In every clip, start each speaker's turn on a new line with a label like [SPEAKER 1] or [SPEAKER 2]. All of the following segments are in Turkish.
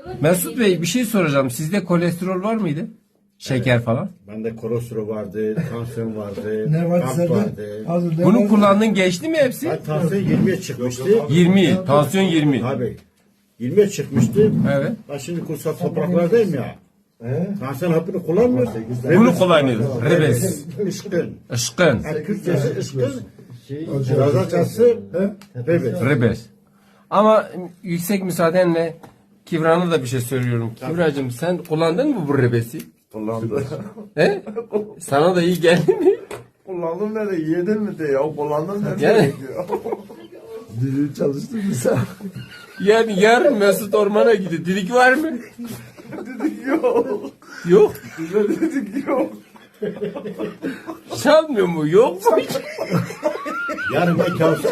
[SPEAKER 1] Mesut Bey bir şey soracağım. Sizde kolesterol var mıydı? Şeker falan.
[SPEAKER 2] Bende kolesterol vardı, tansiyon vardı,
[SPEAKER 3] Ne vardı
[SPEAKER 2] kalp
[SPEAKER 3] sende?
[SPEAKER 2] vardı.
[SPEAKER 3] Az ne
[SPEAKER 1] Bunu
[SPEAKER 3] vardı?
[SPEAKER 1] kullandın geçti mi hepsi?
[SPEAKER 2] Ben tansiyon 20'ye çıkmıştı.
[SPEAKER 1] 20. Tansiyon 20.
[SPEAKER 2] Tabii. 20'ye çıkmıştı.
[SPEAKER 1] Evet.
[SPEAKER 2] Ben şimdi kutsal topraklardayım ya. Tansiyon hapını kullanmıyor.
[SPEAKER 1] Bunu kullanıyoruz. Rebes.
[SPEAKER 2] Işkın.
[SPEAKER 1] Işkın.
[SPEAKER 2] Yani Kürtçesi ışkın. Razakası rebes.
[SPEAKER 1] Rebes. Ama yüksek müsaadenle Kivra'na da bir şey söylüyorum. Kivra'cığım sen kullandın mı bu rebesi?
[SPEAKER 4] Kullandım.
[SPEAKER 1] He? Sana da iyi geldi mi?
[SPEAKER 4] Kullandım nerede? Yedin mi de ya? Kullandım nerede?
[SPEAKER 1] Yani-
[SPEAKER 4] Ya? Dili çalıştın mı sen?
[SPEAKER 1] Yani yarın Mesut ormana gidiyor. Dilik var mı?
[SPEAKER 4] Dedik yok.
[SPEAKER 1] Yok.
[SPEAKER 4] Bize dedik yok.
[SPEAKER 1] Çalmıyor mu? Yok mu?
[SPEAKER 2] Yarın ben kavsa.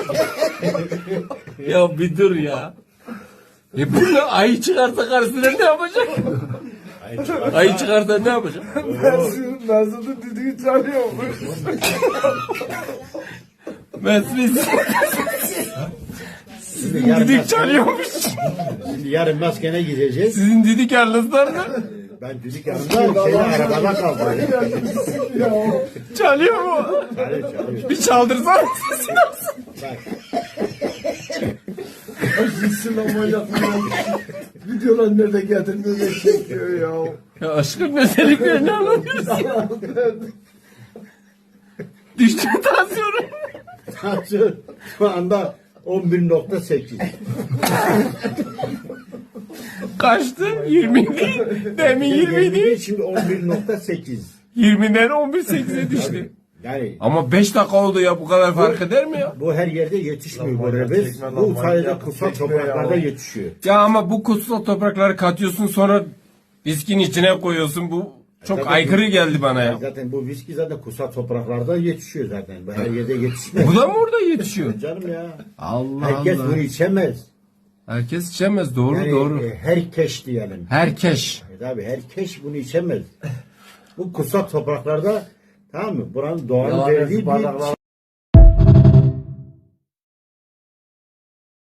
[SPEAKER 1] Ya bir dur ya. Bunu ayı çıkarsa karşısına ne yapacak? Ayı çıkarsa ne yapacak?
[SPEAKER 4] Mesut'un düdüğü çalıyormuş.
[SPEAKER 1] Mesut
[SPEAKER 2] Yarın
[SPEAKER 1] didik çalıyormuş.
[SPEAKER 2] Şimdi yarın maskene gideceğiz.
[SPEAKER 1] Sizin didik yalnızlar mı?
[SPEAKER 2] Ben düdük yanında şeyde arabada kaldım.
[SPEAKER 1] Çalıyor mu?
[SPEAKER 2] Çalıyor.
[SPEAKER 1] Bir çaldırsana sesini.
[SPEAKER 2] Bak.
[SPEAKER 4] Sinema yapıyor. Videolar nerede getirmiyor ne çekiyor ya.
[SPEAKER 1] Ya aşkım özelliklerini anlatıyorsun. Düştü mü tansiyonu?
[SPEAKER 2] Tansiyon şu anda 11.8.
[SPEAKER 1] Kaçtı? 20 değil. Demin 20 değil.
[SPEAKER 2] Şimdi 11.8.
[SPEAKER 1] 20'den 11.8'e düştü.
[SPEAKER 2] Yani
[SPEAKER 1] Ama 5 dakika oldu ya, bu kadar fark eder mi ya?
[SPEAKER 2] bu her yerde yetişmiyor bu rebes.
[SPEAKER 4] Çekme lan,
[SPEAKER 2] Bu
[SPEAKER 4] manyak
[SPEAKER 2] sadece
[SPEAKER 4] yapıp
[SPEAKER 2] kutsal
[SPEAKER 4] çekme
[SPEAKER 2] topraklarda
[SPEAKER 4] ya.
[SPEAKER 2] yetişiyor.
[SPEAKER 1] Ya ama bu kutsal toprakları katıyorsun, sonra viskinin içine koyuyorsun. Bu çok
[SPEAKER 2] Zaten
[SPEAKER 1] aykırı geldi bana ya.
[SPEAKER 2] Zaten bu viski zaten kutsal topraklarda yetişiyor zaten. Bu her yerde yetişmez.
[SPEAKER 1] Bu da mı orada yetişiyor?
[SPEAKER 2] Canım ya.
[SPEAKER 1] Allah
[SPEAKER 2] Herkes
[SPEAKER 1] Allah.
[SPEAKER 2] bunu içemez.
[SPEAKER 1] Herkes içemez. Doğru
[SPEAKER 2] Yani
[SPEAKER 1] doğru.
[SPEAKER 2] herkes diyelim.
[SPEAKER 1] Herkes.
[SPEAKER 2] Tabii herkes bunu içemez. Bu kutsal topraklarda, tamam mı? Buranın doğanın
[SPEAKER 4] Yalan
[SPEAKER 2] verdiği
[SPEAKER 4] bardaklar-
[SPEAKER 2] bir